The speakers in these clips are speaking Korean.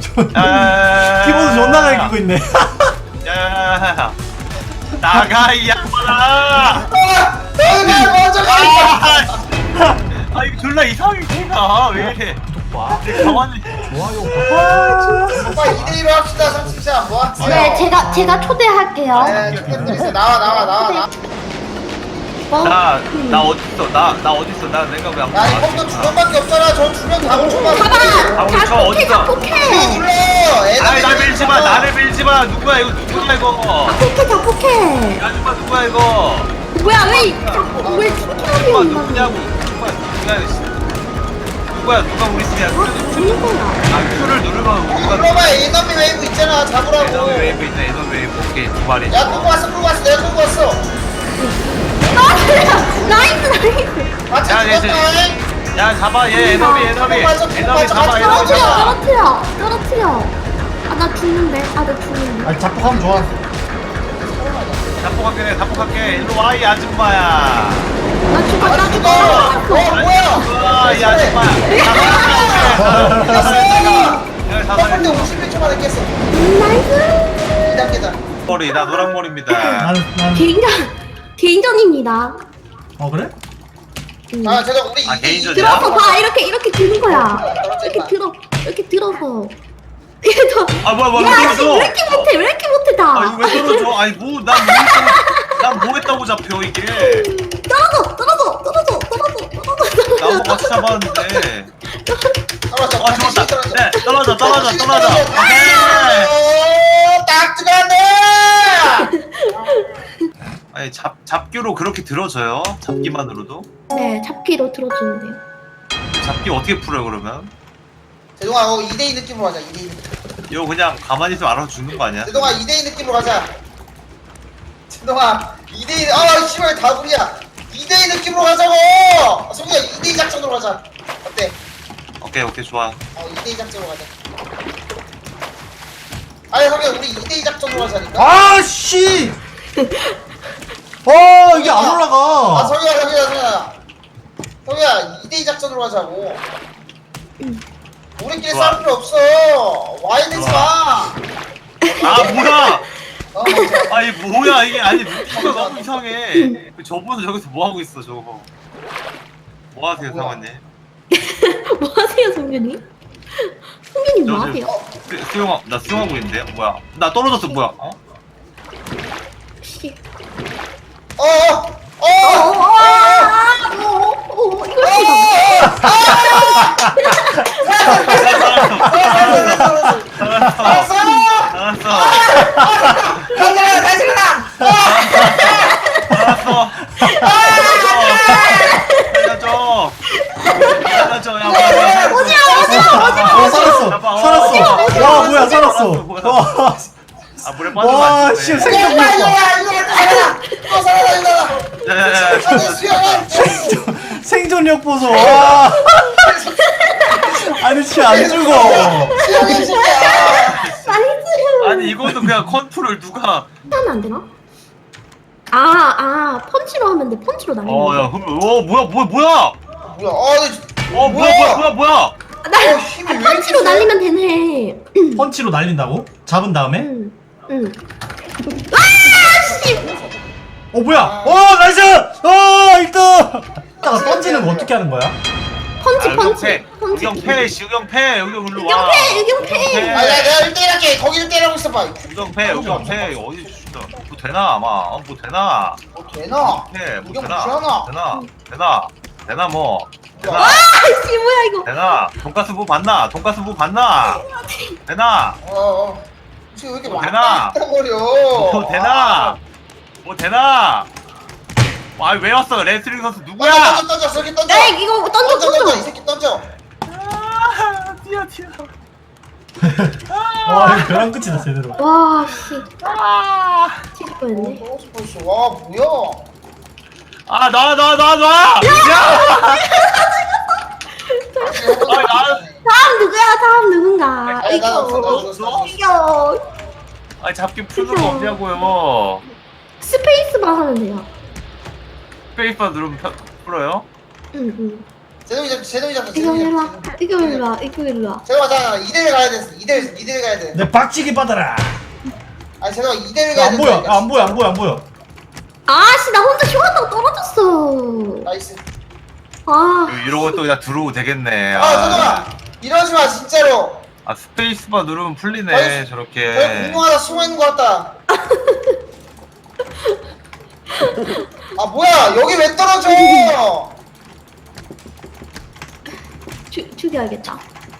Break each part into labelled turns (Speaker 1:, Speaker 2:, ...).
Speaker 1: 키보드 존나 갈기고 있네.
Speaker 2: 야야야야 나가 이 양반아.
Speaker 3: 먼저 가.
Speaker 2: 아 이거 졸라 이상해 걔가 왜 이래. 내 가만히
Speaker 3: 오빠 2대1로 합시다. 30샷 뭐 하세요?
Speaker 4: 네, 제가 초대할게요.
Speaker 3: 네, 초대드리세요. 나와.
Speaker 2: 나 어딨어 나 어딨어 나 내가 왜안
Speaker 3: 야, 이 컴퓨터 두 명밖에 없잖아. 저 두 명 다 훔쳐봐.
Speaker 4: 봐봐!
Speaker 2: 저
Speaker 4: 자폭해,
Speaker 2: 어딨어?
Speaker 4: 자폭해!
Speaker 3: 눌러.
Speaker 2: 아이 나 밀지마 나를 밀지마 누구야 이거 누구야 이거
Speaker 4: 자폭해!
Speaker 2: 이 아줌마 누구야 이거
Speaker 4: 뭐야, 왜 튕겨하는
Speaker 2: 누가
Speaker 4: 거야?
Speaker 2: 누구냐고 누가 우리 팀이야
Speaker 4: 죽는 거야.
Speaker 2: 아 Q를 누르면 우리가
Speaker 3: 눌러봐. 에너미 웨이브 있잖아. 잡으라고.
Speaker 2: 에너미 웨이브 있네 에너미 웨이브 오케이 두 마리
Speaker 3: 야, 끌고 왔어. 내가 끌고 왔어.
Speaker 4: 나이스!
Speaker 3: 같이
Speaker 2: 야, 얘,
Speaker 3: 죽었다.
Speaker 2: 야 잡아 얘 에너미 잡아 에너미 잡아
Speaker 4: 떨어뜨려! 아, 나 죽는데?
Speaker 1: 아니 자폭하면 좋아.
Speaker 2: 자폭할게 일로 와 이 아줌마야
Speaker 4: 나 죽어!
Speaker 3: 뭐야?
Speaker 2: 와이 아줌마야
Speaker 3: 첫
Speaker 2: 다
Speaker 3: 번째
Speaker 2: 살렸어
Speaker 3: 51초 만에 깼어.
Speaker 4: 나이스!
Speaker 3: 2단계다.
Speaker 2: 머리 나 노랑머리입니다
Speaker 1: 나는
Speaker 4: 개인전입니다.
Speaker 1: 그래?
Speaker 3: 아, 제가 우리
Speaker 2: 아,
Speaker 3: 2대2
Speaker 2: 개인전이야?
Speaker 4: 들어서 봐! 이렇게 드는 거야. 이렇게 들어서.
Speaker 2: 아 뭐야
Speaker 4: 야, 씨,
Speaker 2: 떨어져
Speaker 4: 왜 이렇게 못해, 다.
Speaker 2: 아 이거 왜 떨어져 아니 난 했다고 잡혀 이게
Speaker 4: 떨어져!
Speaker 2: 나무 같이 잡았는데
Speaker 3: 떨어져.
Speaker 2: 죽었다 네 떨어져 오케이
Speaker 3: 딱 들어갔네.
Speaker 2: 아니 잡기로 그렇게 들어져요? 잡기만으로도?
Speaker 4: 네, 잡기로 들어주는데요.
Speaker 2: 잡기 어떻게 풀어요 그러면?
Speaker 3: 제동아, 2대2 느낌으로 가자. 2대2 느낌.
Speaker 2: 이거 그냥 가만히 있으면 알아서 죽는 거 아니야?
Speaker 3: 제동아, 2대2 느낌으로 가자. 제동아, 2대2. 아, 씨발 다불이야. 2대2 느낌으로 가자고. 성규야, 2대2 작전으로 가자. 어때?
Speaker 2: 오케이 좋아
Speaker 3: 2대2 작전으로 가자. 아니, 성규야, 우리 2대2 작전으로 가자니까.
Speaker 1: 아 씨. 이게 안
Speaker 3: 아,
Speaker 1: 올라가.
Speaker 3: 성규야. 성규야, 2대2 작전으로 가자고. 우리끼리
Speaker 2: 좋아.
Speaker 3: 싸울 필요 없어. 와이드지 마.
Speaker 2: 아 뭐야
Speaker 3: 맞아.
Speaker 2: 아니 뭐야 이게 아니 루피가 너무 이상해 저분은 저기서 뭐하고 있어 저거 뭐하세요
Speaker 3: 뭐야?
Speaker 2: 상원님?
Speaker 4: 뭐 하세요, 성균이? 성균이 뭐 하세요?
Speaker 2: 나 수영하고 있는데 뭐야 나 떨어졌어 뭐야 어?
Speaker 4: 씨.
Speaker 2: 알았어
Speaker 3: 다시 일어나!
Speaker 2: 알았어 살려줘 야 뭐야
Speaker 1: 살았어. 와 뭐야 살았어. 와.
Speaker 2: 아 물에 빠져
Speaker 1: 와 씨 생존 생존력 보소. 와. 아니 진짜 안 죽어.
Speaker 2: 아니 이것도 그냥 컨트롤 누가
Speaker 4: 하면 안 되나? 펀치로 하면 돼. 펀치로 날리는
Speaker 2: 어야
Speaker 4: 거.
Speaker 2: 뭐야 뭐야
Speaker 3: 힘이 왜 이렇게
Speaker 4: 펀치로
Speaker 3: 세?
Speaker 4: 날리면 되네.
Speaker 1: 펀치로 날린다고? 잡은 다음에?
Speaker 4: 응.
Speaker 1: 뭐야? 나이스! 1등! 이따가 던지는 거 어떻게 하는 거야?
Speaker 4: 펀치.
Speaker 2: 유경패 여기 일로 와
Speaker 4: 유경패.
Speaker 3: 아, 내가 1대1 할게. 거기를 때리고 있어봐.
Speaker 2: 유경패 어디 진짜 뭐 되나 아마 뭐 되나
Speaker 3: 뭐 되나?
Speaker 2: 뭐
Speaker 3: 유경
Speaker 2: 되나
Speaker 3: 무시하나?
Speaker 2: 되나 뭐 되나
Speaker 4: 아씨 뭐야 이거.
Speaker 2: 되나 돈가스 부 봤나 되나
Speaker 3: 지금 왜 이렇게
Speaker 2: 뭐
Speaker 3: 많이
Speaker 2: 되나?
Speaker 3: 버려?
Speaker 2: 뭐 되나 왜 왔어 레슬링 선수 누구야
Speaker 3: 던져, 저기 던져.
Speaker 4: 야 이거 던져.
Speaker 3: 이 새끼 던져.
Speaker 2: 뛰어
Speaker 1: 와 이거 벼랑 끝이다 제대로.
Speaker 4: 와 씨. 튀길 뻔했네.
Speaker 3: 떨어져. 와, 뭐야?
Speaker 2: 놔
Speaker 4: 다음 누군가.
Speaker 3: 아니, 나 없어.
Speaker 4: 이겨.
Speaker 2: 잡기 푸는 거 없냐고요
Speaker 4: 스페이스만 하면 돼요.
Speaker 2: 스페이스바 누르면 풀어요?
Speaker 4: 응.
Speaker 3: 제동이 잡자.
Speaker 4: 이거 일로 와. 이거 일로 와. 이거 일로 와.
Speaker 3: 제동아, 자, 2대1 가야 돼. 2대1 가야 돼.
Speaker 1: 내 박치기 받아라.
Speaker 3: 아니, 제동아, 2대1 가야 돼.
Speaker 1: 안 보여. 안 보여. 안 보여. 안 보여.
Speaker 4: 아씨, 나 혼자 쇼한다고 떨어졌어.
Speaker 3: 나이스.
Speaker 4: 아,
Speaker 2: 이러고 또 그냥 들어오고 되겠네.
Speaker 3: 제동아, 이러지 마, 진짜로.
Speaker 2: 아 스페이스바 누르면 풀리네
Speaker 3: 저기
Speaker 2: 저렇게.
Speaker 3: 공룡 하나 숨어 있는 것 같다. 아, 뭐야, 여기 왜 떨어져?
Speaker 4: 죽여야겠다.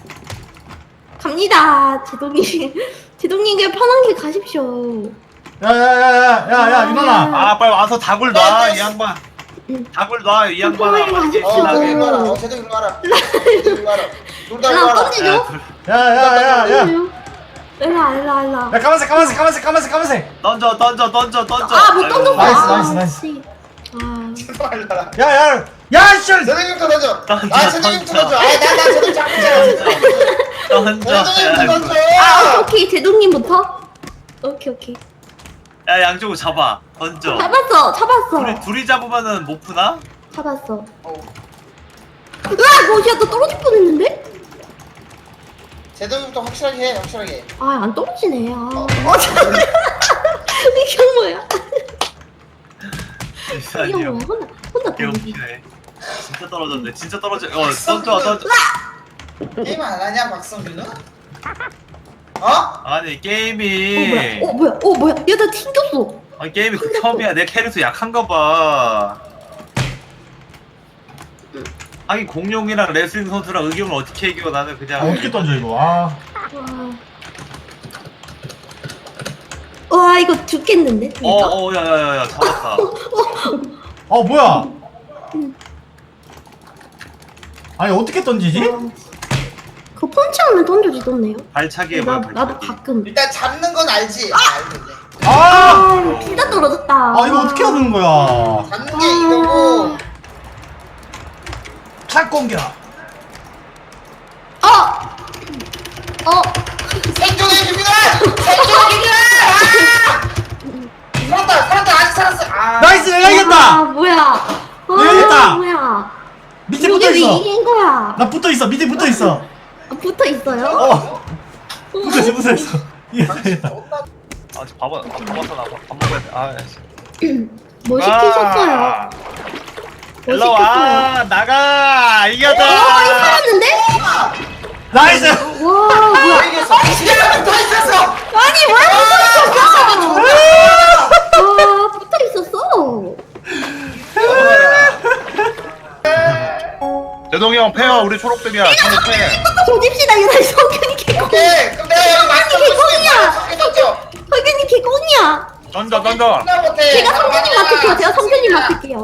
Speaker 4: 갑니다, 제동님. 제동님 그냥 편한 길 가십시오.
Speaker 1: 야야야야야야 유나나.
Speaker 2: 아 빨리 와서 닭을 놔 이 양반. 닭을 놔 이 양반아. 빨리
Speaker 3: 제동
Speaker 2: 신나게.
Speaker 3: 일로 와라. 제동 일로 와라. 제동 일로 와라. 놀다 일로
Speaker 4: 나
Speaker 3: 와라.
Speaker 4: 던지죠?
Speaker 1: 야야야야.
Speaker 4: 일로 와.
Speaker 1: 야 까만색.
Speaker 2: 던져.
Speaker 4: 아, 못 던졌어.
Speaker 1: 나이스.
Speaker 4: 씨. 아,
Speaker 3: 제동 일로 와라.
Speaker 1: 야야. 야 씨.
Speaker 3: 제동님도 던져.
Speaker 2: 던져,
Speaker 3: 아, 제동님도
Speaker 2: 던져.
Speaker 3: 던져. 아, 나 제동 잡고 있잖아.
Speaker 2: 던져.
Speaker 3: 제동님도 던져.
Speaker 4: 아, 오케이. 제동님부터? 오케이.
Speaker 2: 야 양쪽으로 잡아. 던져.
Speaker 4: 잡았어.
Speaker 2: 둘이 잡으면은 못 푸나?
Speaker 4: 잡았어.
Speaker 3: 어.
Speaker 4: 으악! 뭐야, 너 떨어질 뻔했는데?
Speaker 3: 제동님부터 확실하게 해, 확실하게.
Speaker 4: 아, 안 떨어지네. 잠깐만. 이게 뭐야? 이게 뭐야? 혼자 떨어지.
Speaker 2: 개웃기네. 진짜 떨어졌네. 진짜 떨어져. 던져.
Speaker 3: 게임 안 하냐, 박성준은? 어?
Speaker 2: 아니 게임이.
Speaker 4: 뭐야? 야, 나 튕겼어.
Speaker 2: 아니 게임이 극혐이야. 내 캐릭터 약한가 봐. 하긴 공룡이랑 레슬링 선수랑 의견을 어떻게 이겨? 나는 그냥
Speaker 1: 어떻게 던져 이거? 아.
Speaker 4: 와, 이거 죽겠는데? 진짜?
Speaker 2: 야야야야 잡았다.
Speaker 1: 뭐야? 아니 어떻게 던지지?
Speaker 4: 그 펀치하면 던져지던데요?
Speaker 2: 발차기 해봐.
Speaker 4: 나도 가끔.
Speaker 3: 일단 잡는 건 알지? 알겠네.
Speaker 1: 아.
Speaker 4: 이거 진짜 떨어졌다.
Speaker 1: 이거 어떻게 하는 거야?
Speaker 3: 잡는 게 이거고.
Speaker 1: 착 공격.
Speaker 3: 생존의 힘이다! 생존의 힘이다! 살았다, 아직 살았어.
Speaker 1: 나이스 내가 이겼다.
Speaker 4: 뭐야?
Speaker 1: 내가 이겼다.
Speaker 4: 뭐야?
Speaker 1: 밑에
Speaker 4: 이게
Speaker 1: 붙어
Speaker 4: 왜
Speaker 1: 있어.
Speaker 4: 이긴 거야?
Speaker 1: 나 붙어 있어. 밑에 붙어 있어.
Speaker 4: 붙어 있어요?
Speaker 1: 붙어 있어. 이겼다.
Speaker 2: 아 지금 밥 먹었어 나밥 먹어야 돼. 아 씨.
Speaker 4: 뭐 시키셨어요? 뭐
Speaker 2: 일로 와 나가 이겼다.
Speaker 4: 살았는데?
Speaker 1: 나이스.
Speaker 4: 와, 뭐야?
Speaker 3: 이겼어. 더 있었어!
Speaker 4: 아니, 왜 붙어 있었어?
Speaker 2: 제동이 형 패요. 우리 초록색이야. 초록 패.
Speaker 4: 조집시다, 이거 다시 성균이 개꽁.
Speaker 3: 오케이, 그럼 내가 여기 맞춰 던져.
Speaker 4: 성균이 개꽁이야.
Speaker 2: 던져.
Speaker 3: 나 못해.
Speaker 4: 제가 성균님 맡을게요. 제가 성균님 맡을게요.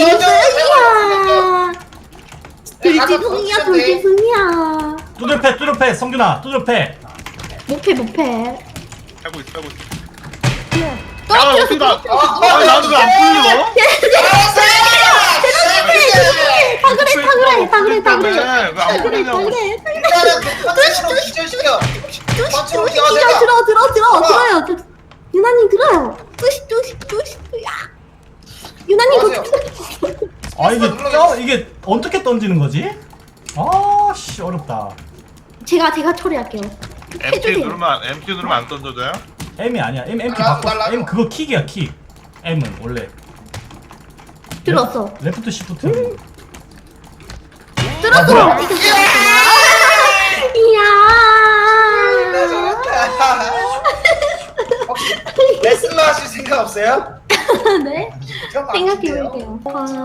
Speaker 3: 던져.
Speaker 4: 돌지송이야, 돌지송이야.
Speaker 1: 두들패 성균아 두들패.
Speaker 4: 못해.
Speaker 2: 하고 있어.
Speaker 4: 떨어뜨렸어.
Speaker 2: 나도 왜안 풀려?
Speaker 4: 다 그래.
Speaker 2: 왜안 풀리냐고.
Speaker 3: 일단은 그 컨텐츠로 기절시켜.
Speaker 4: 들어요. 유나님 들어요. 뚜시. 야. 유나님
Speaker 1: 이게 어떻게 던지는 거지? 아씨 어렵다.
Speaker 4: 제가 처리할게요.
Speaker 2: MT 누르면 안 던져져요?
Speaker 1: M이 아니야. M 키
Speaker 3: 나도,
Speaker 1: 바꿔.
Speaker 3: 나도.
Speaker 1: M 그거 킥이야 킥. M은 원래
Speaker 4: 들었어.
Speaker 1: 레프트 시프트.
Speaker 4: 들었어. 이야.
Speaker 3: 혹시 레슬러 하실 생각 없어요?
Speaker 4: 네.
Speaker 3: 좀
Speaker 4: 생각해볼게요.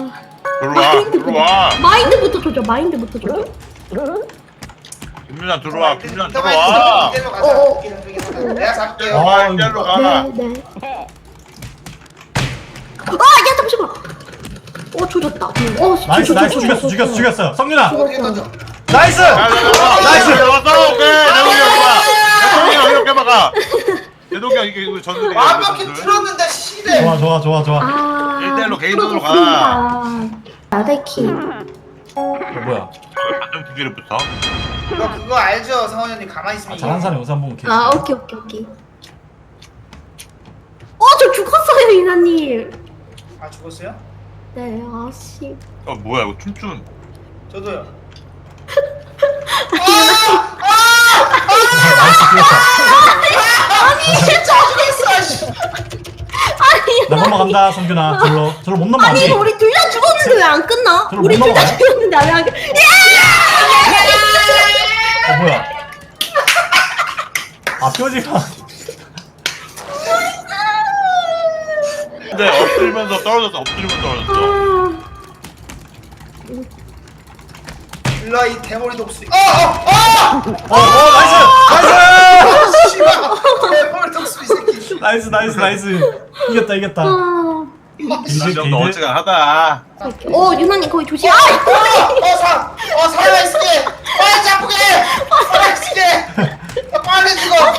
Speaker 2: 들어와.
Speaker 4: 마인드부터 조져.
Speaker 2: 김윤아 들어와.
Speaker 3: 이대로 가자. 내가 잡을게요.
Speaker 2: 이대로 가.
Speaker 4: 네. 야, 잠시만. 조졌다.
Speaker 1: 나이스 죽였어. 성균아
Speaker 3: 어떻게 던져?
Speaker 1: 나이스.
Speaker 2: 나이스. 오케이. 이렇게 막아. 제동이야 이게 전술이야.
Speaker 3: 완벽히 틀었는데 시대.
Speaker 1: 좋아.
Speaker 2: 1대1로 개인전으로
Speaker 4: 나대키.
Speaker 1: 뭐야?
Speaker 2: 완전 기계를 붙어.
Speaker 3: 그거 알죠, 성원님 가만히 있으면.
Speaker 1: 잘한 사람 영상 보면 개.
Speaker 4: 오케이. 저 죽었어요, 유나님.
Speaker 3: 죽었어요?
Speaker 4: 네, 아씨.
Speaker 2: 뭐야 이거 춤춘.
Speaker 3: 저도요.
Speaker 1: 나이스 뛰었다.
Speaker 3: 진짜 죽겠어. 씨.
Speaker 4: 아니
Speaker 1: 나 넘어간다 성균아. 절로 못 넘어가지.
Speaker 4: 아니 이거 우리 둘 다 죽었는데 왜 안 끝나?
Speaker 1: 저를
Speaker 4: 우리
Speaker 1: 못
Speaker 4: 둘 다
Speaker 1: 넘어가요?
Speaker 4: 죽었는데 안 끝?
Speaker 1: 뭐야? 아 뼈지가.
Speaker 2: 근데 엎드리면서 떨어졌어. 엎드리면서 떨어졌어.
Speaker 3: 일로 와, 이 대머리 독수리.
Speaker 1: 나이스 나이스
Speaker 3: 씨발. 대머리 독수리 새끼.
Speaker 1: 나이스. 이겼다.
Speaker 2: 이제 너 어찌가 하다.
Speaker 4: 유나님 거기 조심.
Speaker 3: 살아있을게. 빨리 잡게. 살아있을게. 빨리 죽어.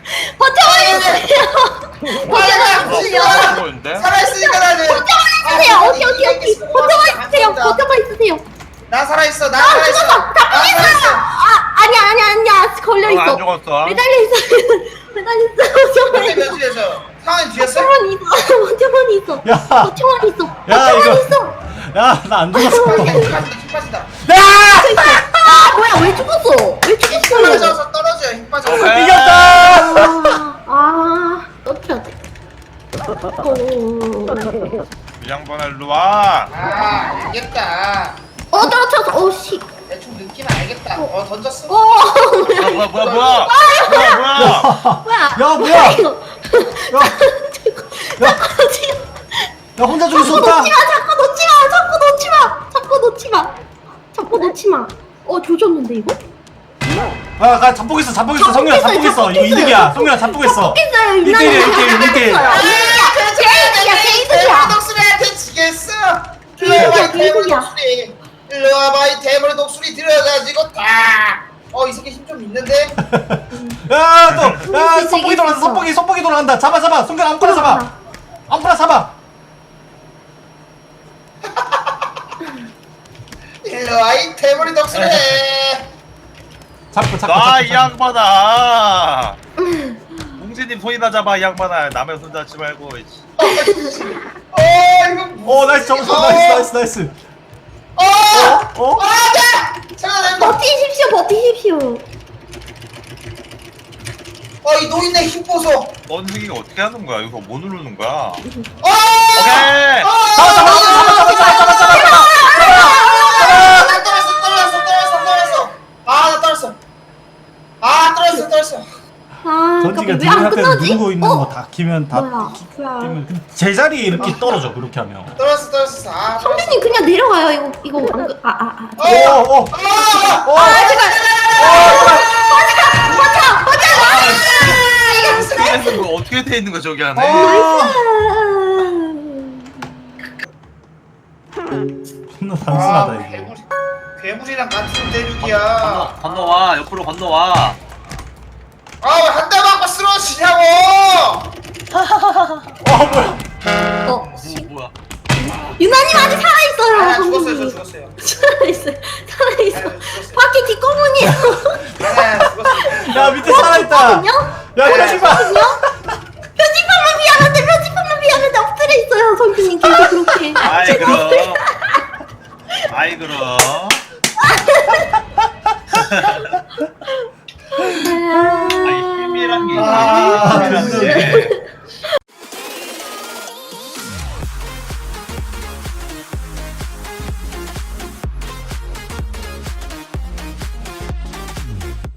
Speaker 4: 버텨주세요.
Speaker 2: 거인데?
Speaker 3: 살아있으니까 나는.
Speaker 4: 있으세요. 오케이. 버텨만 있으세요.
Speaker 3: 나 살아있어. 나
Speaker 4: 죽었어.
Speaker 3: 살아있어.
Speaker 4: 다
Speaker 3: 나 살아있어.
Speaker 4: 아니야. 걸려 있어.
Speaker 2: 안 죽었어.
Speaker 4: 매달려 있어.
Speaker 3: 근데 며칠에서 상황이 뒤였어?
Speaker 4: 버텨만 있어.
Speaker 1: 야.
Speaker 4: 버텨만 있어.
Speaker 1: 야, 이거.
Speaker 4: 버텨만 있어.
Speaker 1: 야 나 안 죽었어.
Speaker 3: 힘 빠진다.
Speaker 4: 뭐야 왜 죽었어? 왜
Speaker 3: 힘
Speaker 4: 죽었어?
Speaker 3: 빠져서 떨어져요. 힘 빠져.
Speaker 2: 오케이.
Speaker 1: 이겼다.
Speaker 4: 떨어져야 돼.
Speaker 2: 이 양반아 일로 와.
Speaker 3: 알겠다.
Speaker 4: 떨어졌어. 씨.
Speaker 3: 대충 느낌 알겠다. 던졌어.
Speaker 2: 뭐야.
Speaker 1: 야 뭐야? 야 혼자 죽을 수 없다.
Speaker 4: 자꾸 놓지 마. 조졌는데 이거?
Speaker 1: 아 잡고 있어. 성균아 잡고 있어. 이거 이득이야. 성균아 잡고 있어.
Speaker 4: 잡겠어요.
Speaker 1: 1대1.
Speaker 3: 대머리 독수리한테 지겠어. 일로 와봐 이 대머리 독수리. 일로 와봐 이 대머리 독수리 들어가지고 다. 이 새끼 힘 좀 있는데.
Speaker 1: 야 선풍기 돌아간다. 선풍기 돌아간다. 잡아. 성균아 아무거나 잡아.
Speaker 3: 일로 와 이 대머리 독수리.
Speaker 1: 잡고.
Speaker 2: 이 양반아. 웅진님 손이나 잡아 이 양반아. 남의 손 잡지 말고.
Speaker 3: 이거.
Speaker 1: 나이스 잡았어. 나이스.
Speaker 3: 안돼. 잠깐만.
Speaker 4: 버티십시오.
Speaker 3: 이 노인네 힘 보소.
Speaker 2: 넌생이가 어떻게 하는 거야? 이거 뭐 누르는 거야? 오케이.
Speaker 3: 떨었어.
Speaker 1: 전지가
Speaker 4: 왜안
Speaker 1: 뒤에 앞에서
Speaker 4: 끝나지?
Speaker 1: 누르고 있는 거 다 키면 다
Speaker 4: 뭐야?
Speaker 1: 끼면 제자리에 이렇게 떨어져. 그렇게 하면.
Speaker 3: 떨었어.
Speaker 4: 성준님 그냥 내려가요. 이거 안 끝.
Speaker 2: 스킬에서 뭐 어떻게 돼 있는 거 저기 안에?
Speaker 1: 존나 단순하다 이거.
Speaker 3: 괴물이랑 같은 대륙이야.
Speaker 2: 건너와. 옆으로 건너와.
Speaker 3: 한 대 맞고 쓰러지냐고.
Speaker 2: 뭐야?
Speaker 4: 유나님 아직 살아있어요.
Speaker 3: 죽었어요.
Speaker 4: 살아있어. 바퀴 뒷거문이에요.
Speaker 1: 야 밑에 살아있다. 야 표지판.
Speaker 4: 표지판만 미안한데 엎드려 있어요. 성준님 계속 그렇게.
Speaker 2: 아이 그럼.